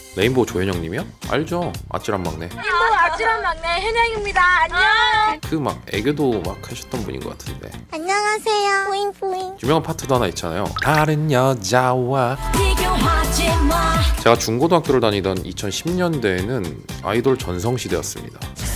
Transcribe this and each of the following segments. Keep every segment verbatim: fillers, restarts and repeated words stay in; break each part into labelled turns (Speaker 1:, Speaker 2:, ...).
Speaker 1: 레인보우 조현영님이요? 알죠. 아찔한 막내.
Speaker 2: 레인보우 아찔한 막내 현영입니다. 안녕.
Speaker 1: 그 막 애교도 막 하셨던 분인 것 같은데.
Speaker 2: 안녕하세요. 뿌잉뿌잉.
Speaker 1: 유명한 파트도 하나 있잖아요. 다른 여자와.
Speaker 2: 비교하지 마.
Speaker 1: 제가 중고등학교를 다니던 이천십 년대에는 아이돌 전성시대였습니다.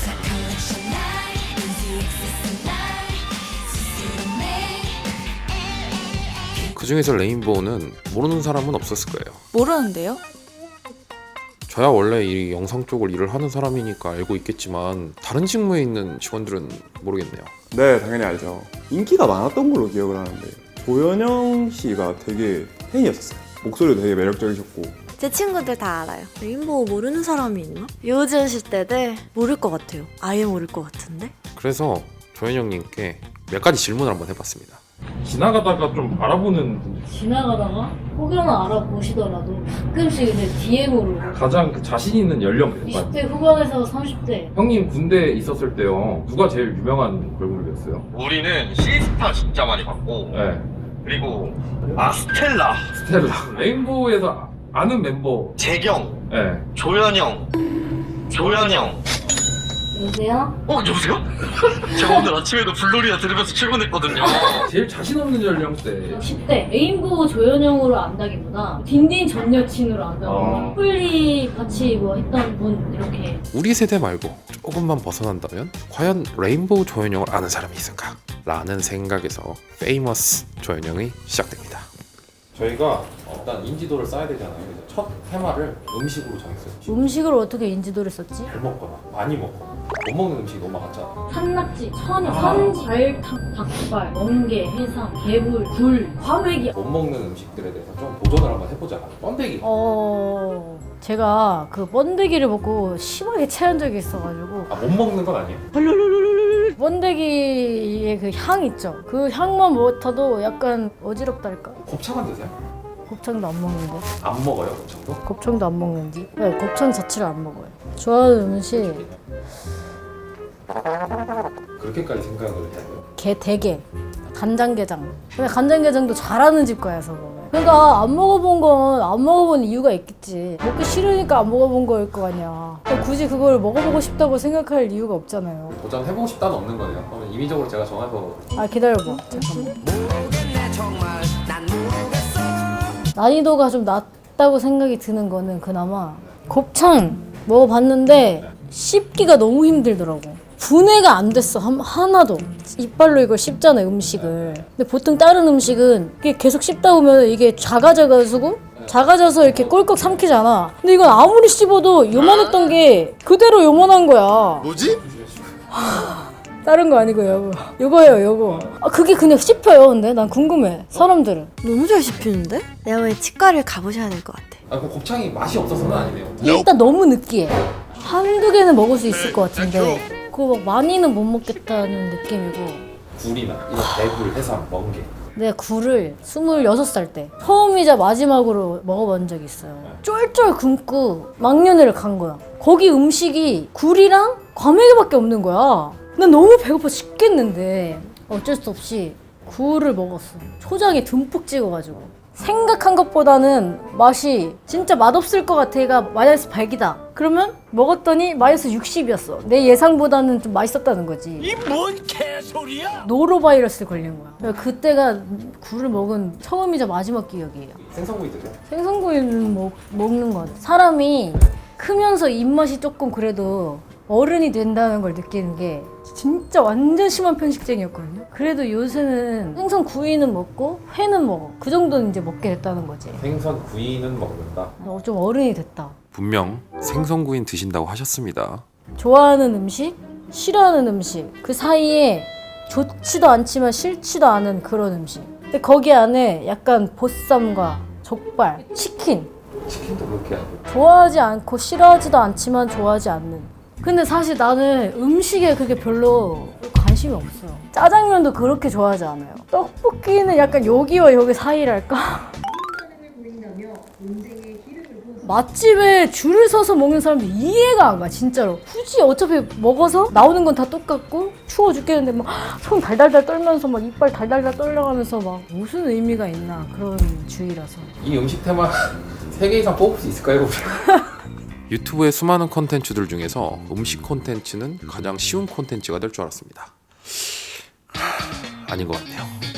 Speaker 1: 그 중에서 레인보우는 모르는 사람은 없었을 거예요.
Speaker 3: 모르는데요?
Speaker 1: 저야 원래 이 영상 쪽을 일을 하는 사람이니까 알고 있겠지만 다른 직무에 있는 직원들은 모르겠네요.
Speaker 4: 네, 당연히 알죠. 인기가 많았던 걸로 기억을 하는데 조현영 씨가 되게 팬이었었어요. 목소리도 되게 매력적이셨고.
Speaker 3: 제 친구들 다 알아요. 레인보우 모르는 사람이 있나? 요즘 시대들 모를 것 같아요. 아예 모를 것 같은데?
Speaker 1: 그래서 조현영님께 몇 가지 질문을 한번 해봤습니다.
Speaker 5: 지나가다가 좀 알아보는 분들
Speaker 6: 지나가다가 혹여나 알아보시더라도 가끔씩 이제 디엠으로
Speaker 5: 가장 그 자신 있는 연령
Speaker 6: 이십 대 후반에서 삼십 대
Speaker 5: 형님 군대 있었을 때요 누가 제일 유명한 걸그룹이었어요?
Speaker 7: 우리는 시스타 진짜 많이 봤고
Speaker 5: 네
Speaker 7: 그리고 아 스텔라,
Speaker 5: 스텔라 레인보우에서 아는 멤버
Speaker 7: 재경,
Speaker 5: 네
Speaker 7: 조현영, 조현영.
Speaker 6: 여보세요?
Speaker 7: 어 여보세요? 제가 오늘 아침에도 블루리아 들으면서 출근했거든요.
Speaker 5: 제일 자신 없는 연령대
Speaker 6: 십 대 레인보우 조현영으로 안다기보다 딘딘 전 여친으로 안다거나
Speaker 5: 어.
Speaker 6: 플리 같이 뭐 했던 분 이렇게
Speaker 1: 우리 세대 말고 조금만 벗어난다면 과연 레인보우 조현영을 아는 사람이 있을까? 라는 생각에서 페이머스 조현영이 시작됩니다. 저희가 일단 인지도를 쌓아야 되잖아요. 그래서 첫 테마를 음식으로 정했어요.
Speaker 6: 음식을 어떻게 인지도를 썼지?
Speaker 1: 잘 먹거나 많이 먹거나 못 먹는 음식이 너무 많았잖아.
Speaker 6: 산낙지, 천이, 산지, 발탕, 닭발, 멍게, 해삼, 개불, 굴, 과메기.
Speaker 1: 못 먹는 음식들에 대해서 좀 도전을 한번 해보자. 번데기.
Speaker 6: 어... 제가 그 번데기를 먹고 심하게 체한 적이 있어가지고
Speaker 1: 아, 못 먹는 건 아니에요?
Speaker 6: 번데기의 그 향 있죠? 그 향만 맡아도 약간 어지럽달까?
Speaker 1: 곱창은 드세요?
Speaker 6: 곱창도 안 먹는데?
Speaker 1: 안 먹어요, 곱창도?
Speaker 6: 곱창도 안 먹는지? 네, 곱창 자체를 안 먹어요. 좋아하는 음식
Speaker 1: 그렇게까지 생각을 해야 돼요?
Speaker 6: 게 대게, 간장게장. 근데 간장게장도 잘하는 집 가서 먹어요. 그러니까 안 먹어본 건 안 먹어본 이유가 있겠지. 먹기 싫으니까 안 먹어본 거일 거 아니야. 굳이 그걸 먹어보고 싶다고 생각할 이유가 없잖아요.
Speaker 1: 도전해보고 싶다는 없는 거네요. 그러면 임의적으로 제가 정해서
Speaker 6: 아 기다려봐. 잠깐만. 난이도가 좀 낮다고 생각이 드는 거는 그나마 곱창 먹어봤는데 씹기가 너무 힘들더라고. 분해가 안 됐어. 한, 하나도. 이빨로 이걸 씹잖아 음식을. 근데 보통 다른 음식은 이게 계속 씹다 보면 이게 작아져가지고 작아져서 이렇게 꼴꺽 삼키잖아. 근데 이건 아무리 씹어도 요만했던 게 그대로 요만한 거야.
Speaker 7: 뭐지?
Speaker 6: 다른 거 아니고 요거. 요거예요 요거. 아 그게 그냥 씹혀요. 근데 난 궁금해. 사람들은.
Speaker 3: 너무 잘 씹히는데? 내가 왜 치과를 가보셔야 될 것 같아.
Speaker 1: 아, 그 곱창이 맛이 없어서는 아니네요.
Speaker 6: 일단 너무 느끼해. 한두 개는 먹을 수 있을 것 같은데 그거 막 많이는 못 먹겠다는 느낌이고.
Speaker 1: 굴이나 이런 대굴, 해삼, 멍게.
Speaker 6: 내가 굴을 스물여섯 살 때 처음이자 마지막으로 먹어본 적이 있어요. 쫄쫄 굶고 망년회를 간 거야. 거기 음식이 굴이랑 과메기밖에 없는 거야. 난 너무 배고파 죽겠는데 어쩔 수 없이 굴을 먹었어. 초장에 듬뿍 찍어가지고. 생각한 것보다는 맛이 진짜 맛없을 것 같아가 마이너스 백이다. 그러면 먹었더니 마이너스 육십이었어. 내 예상보다는 좀 맛있었다는 거지. 이 뭔 개소리야? 노로바이러스 걸린 거야. 그때가 굴을 먹은 처음이자 마지막 기억이에요.
Speaker 1: 생선구이 드세요?
Speaker 6: 생선구이는 먹, 먹는 것 같아. 사람이 크면서 입맛이 조금 그래도 어른이 된다는 걸 느끼는 게 진짜 완전 심한 편식쟁이였거든요. 그래도 요새는 생선 구이는 먹고 회는 먹어. 그 정도는 이제 먹게 됐다는 거지.
Speaker 1: 생선구이는 먹는다.
Speaker 6: 어, 좀 어른이 됐다.
Speaker 1: 분명 생선구이는 드신다고 하셨습니다.
Speaker 6: 좋아하는 음식, 싫어하는 음식 그 사이에 좋지도 않지만 싫지도 않은 그런 음식. 근데 거기 안에 약간 보쌈과 족발, 치킨
Speaker 1: 치킨도 그렇게 하고.
Speaker 6: 좋아하지 않고 싫어하지도 않지만 좋아하지 않는. 근데 사실 나는 음식에 그게 별로 관심이 없어요. 짜장면도 그렇게 좋아하지 않아요. 떡볶이는 약간 여기와 여기 사이랄까? 맛집에 줄을 서서 먹는 사람들 이해가 안 가, 진짜로. 굳이 어차피 먹어서 나오는 건 다 똑같고 추워 죽겠는데 막 손 달달달 떨면서 막 이빨 달달달 떨려가면서 막 무슨 의미가 있나 그런 주의라서.
Speaker 1: 이 음식 테마 세 개 이상 뽑을 수 있을까요? 유튜브의 수많은 콘텐츠들 중에서 음식 콘텐츠는 가장 쉬운 콘텐츠가 될 줄 알았습니다. 하... 아닌 것 같네요.